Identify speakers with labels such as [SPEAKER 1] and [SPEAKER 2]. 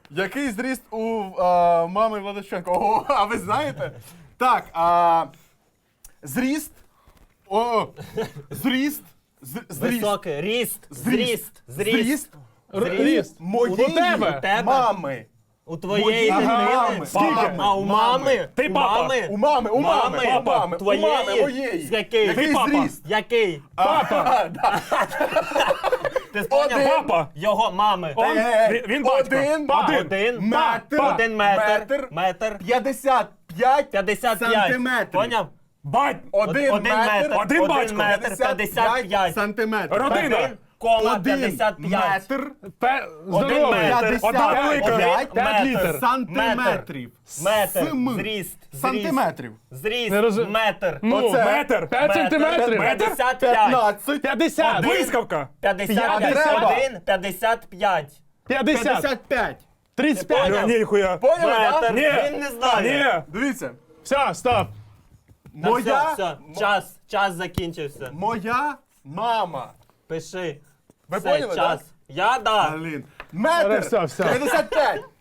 [SPEAKER 1] Який зріст у мами Владиченко? О, а ви знаєте? Так, зріст. Зріст.
[SPEAKER 2] Високий. Ріст. Зріст.
[SPEAKER 1] Зріст.
[SPEAKER 3] Ріст.
[SPEAKER 1] Моєї
[SPEAKER 3] У тебе?
[SPEAKER 1] мами.
[SPEAKER 2] У твоєї дитини.
[SPEAKER 1] Скільки?
[SPEAKER 2] А у мами?
[SPEAKER 3] Ти
[SPEAKER 2] У
[SPEAKER 3] папа.
[SPEAKER 2] мами?
[SPEAKER 1] У мами, у мами,
[SPEAKER 2] Мами.
[SPEAKER 1] у мами, у
[SPEAKER 2] Твоєї?
[SPEAKER 1] мами, моєї.
[SPEAKER 2] З який?
[SPEAKER 1] Який
[SPEAKER 3] Ти папа.
[SPEAKER 1] зріст?
[SPEAKER 2] Який?
[SPEAKER 1] Папа.
[SPEAKER 2] Ти поняв?
[SPEAKER 3] Папа.
[SPEAKER 2] Його мами.
[SPEAKER 3] Он, він батько.
[SPEAKER 2] Один.
[SPEAKER 1] Метр.
[SPEAKER 2] Один метр. Метр.
[SPEAKER 1] 55
[SPEAKER 2] 55.
[SPEAKER 1] сантиметрів.
[SPEAKER 2] Поняв?
[SPEAKER 3] Бать.
[SPEAKER 1] Один метр.
[SPEAKER 3] Один батько.
[SPEAKER 2] метр. 55.
[SPEAKER 1] сантиметрів.
[SPEAKER 3] Родина.
[SPEAKER 2] Один, кома,
[SPEAKER 1] Один
[SPEAKER 2] 55.
[SPEAKER 1] метр.
[SPEAKER 3] Здоровий.
[SPEAKER 2] метр.
[SPEAKER 3] Одна велика.
[SPEAKER 1] П'ять
[SPEAKER 3] 5 літр.
[SPEAKER 1] сантиметрів.
[SPEAKER 2] Метр.
[SPEAKER 1] См.
[SPEAKER 2] Зріст.
[SPEAKER 1] Сантиметрів.
[SPEAKER 2] Зріст.
[SPEAKER 3] Не розум-
[SPEAKER 2] Метр.
[SPEAKER 3] Ну,
[SPEAKER 1] Оце.
[SPEAKER 3] метр. 5 сантиметрів.
[SPEAKER 2] Метр. 55.
[SPEAKER 1] 15.
[SPEAKER 3] 50. Блискавка.
[SPEAKER 2] 55.
[SPEAKER 1] Треба.
[SPEAKER 2] 1, 55.
[SPEAKER 3] 50.
[SPEAKER 1] 55.
[SPEAKER 3] 35. Ніхуя.
[SPEAKER 1] Поняли,
[SPEAKER 2] Метр.
[SPEAKER 1] так?
[SPEAKER 3] Ні.
[SPEAKER 2] Він не знає.
[SPEAKER 3] Ні.
[SPEAKER 1] Дивіться.
[SPEAKER 3] Все, стоп.
[SPEAKER 2] Та
[SPEAKER 1] Моя,
[SPEAKER 2] все. Час закінчився.
[SPEAKER 1] моя мама.
[SPEAKER 2] Пиши.
[SPEAKER 1] Ви
[SPEAKER 2] Все,
[SPEAKER 1] поняли,
[SPEAKER 2] час.
[SPEAKER 1] так?
[SPEAKER 2] Я да.
[SPEAKER 1] Блін. Метр.
[SPEAKER 3] Все.
[SPEAKER 1] 55.